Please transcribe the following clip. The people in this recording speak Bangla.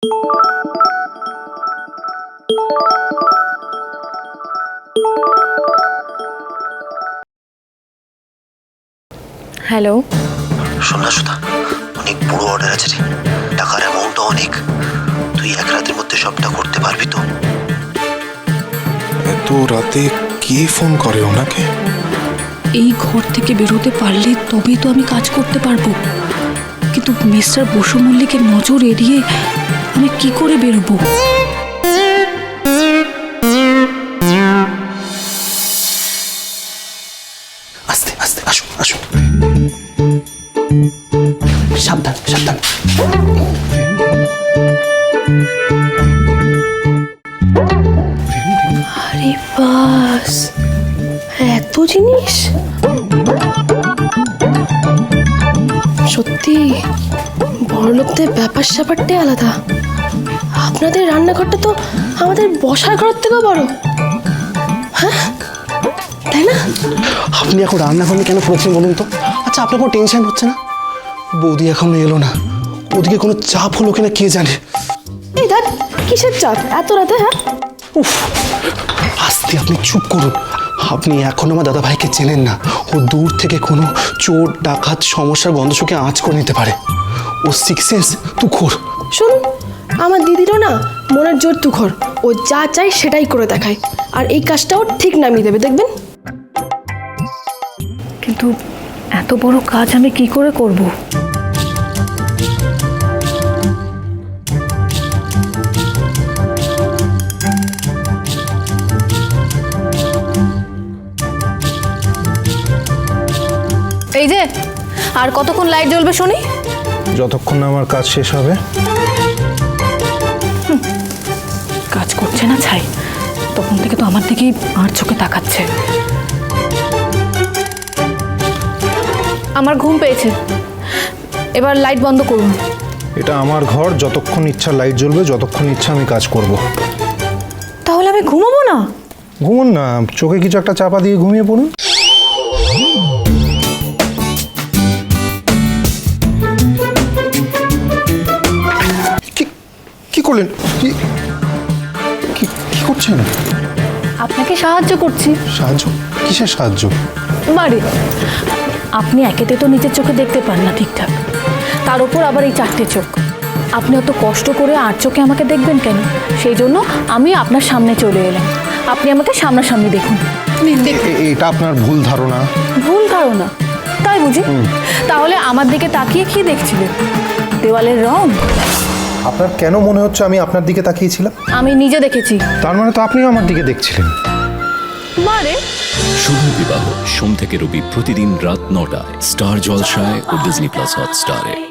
হ্যালো, শোন না সুধা, অনেক বড় অর্ডার আছে রে, টাকার অ্যামাউন্টও অনেক। তুই এক রাতের মধ্যে সবটা করতে পারবি তো? এত রাতে কে ফোন করে ওনাকে? এই ঘর থেকে বেরোতে পারলে তবেই তো আমি কাজ করতে পারবো, কিন্তু মিস্টার বসু মল্লিকের নজর এড়িয়ে আমি কি করে বেরোবো? আস্তে আস্তে, আসুন আসুন, সাবধান সাবধান। আরে বাস, এত জিনিস! সত্যি বড়লোকদের ব্যাপার স্যাপারটাই আলাদা। আপনাদের রান্নাঘরটা তো আমাদের বসার ঘরের থেকেও বড়, হ্যাঁ তাই না? আপনি এখন রান্নাঘর নিয়ে কেন করেছেন বলুন তো? আচ্ছা, আপনার কোনো টেনশন হচ্ছে না? বৌদি এখনো এলো না, ওদিকে কোনো চাপ হলো কিনা কে জানে। এই দেখ, কিসের চাপ এত রাতে? হ্যাঁ, উফ, আস্তে, আপনি চুপ করুন। আপনি এখন আমার দাদা ভাইকে চেনেন না। ও দূর থেকে কোনো চোর ডাকাত সমস্যার গন্ধ শুকে আঁচ করে নিতে পারে। ও সিক্স সেন্স তুখোর। শুনুন, আমার দিদিরও না মনের জোর তুখর। ও যা চাই সেটাই করে দেখায়, আর এই কাজটাও ঠিক নামিয়ে দেবে, দেখবেন। কিন্তু এত বড় কাজ আমি কি করে করব? এই যে, আর কতক্ষণ লাইট জ্বলবে শুনি? যতক্ষণ না আমার কাজ শেষ হবে। কাজ করছে না ছাই, তখন থেকে তো আমার দিকেই আর চোখে তাকাচ্ছে। আমার ঘুম পেয়েছে, এবার লাইট বন্ধ করুন। এটা আমার ঘর, যতক্ষণ ইচ্ছা লাইট জ্বলবে, যতক্ষণ ইচ্ছা আমি কাজ করব। তাহলে আমি ঘুমাবো না? ঘুমুন না, চোখে কিছু একটা চাপা দিয়ে ঘুমিয়ে পড়ুন। কি করলেন? কি করছেন? আপনাকে সাহায্য করছি। সাহায্য? কিসের সাহায্য? বাড়ি, আপনি একেতে তো নিজের চোখে দেখতে পান না ঠিকঠাক, তার উপর আবার এই চারটে চোখ। আপনি অত কষ্ট করে আর চোখে আমাকে দেখবেন কেন? সেই জন্য আমি আপনার সামনে চলে এলাম। আপনি আমাকে সামনাসামনি দেখুন। এটা আপনার ভুল ধারণা। ভুল ধারণা? তাই বুঝি? তাহলে আমার দিকে তাকিয়ে কি দেখছিলেন? দেওয়ালের রং? আপনার কেন মনে হচ্ছে আমি আপনার দিকে তাকিয়েছিলাম? আমি নিজে দেখেছি। তার মানে তো আপনিও আমার দিকে দেখছিলেন। বারে, শুভ বিবাহ সোম থেকে রবি প্রতিদিন রাত ৯টায় স্টার জলসায় ও ডিজনি প্লাস হটস্টারে।